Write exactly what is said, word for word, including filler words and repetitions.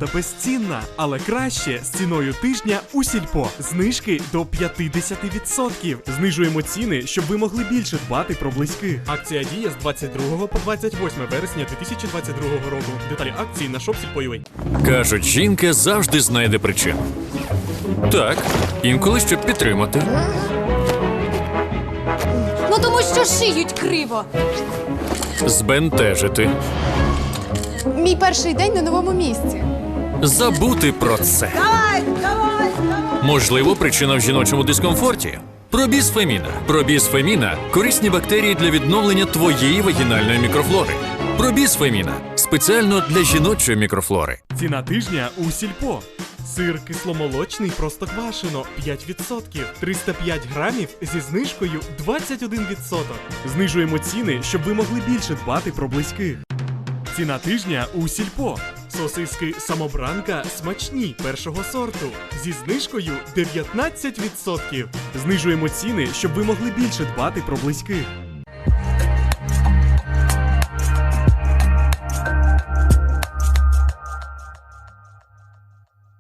правда безцінна, але краще з ціною тижня у Сільпо. Знижки до п'ятдесят відсотків. Знижуємо ціни, щоб ви могли більше дбати про близьких. Акція діє з двадцять другого по двадцять восьме вересня дві тисячі двадцять другого року. Деталі акції на шоп Сільпо точка ю а. Кажуть, жінка завжди знайде причину. Так, інколи щоб підтримати. Ну тому що шиють криво. Збентежити. Мій перший день на новому місці. Забути про це. Можливо, причина в жіночому дискомфорті. Пробісфеміна. Пробісфеміна – корисні бактерії для відновлення твоєї вагінальної мікрофлори. Пробісфеміна – спеціально для жіночої мікрофлори. Ціна тижня у Сільпо. Сир кисломолочний простоквашино п'ять відсотків, триста п'ять грамів зі знижкою двадцять один відсоток. Знижуємо ціни, щоб ви могли більше дбати про близьких. Ціна тижня у Сільпо. Сосиски самобранка смачні першого сорту зі знижкою дев'ятнадцять відсотків. Знижуємо ціни, щоб ви могли більше дбати про близьких.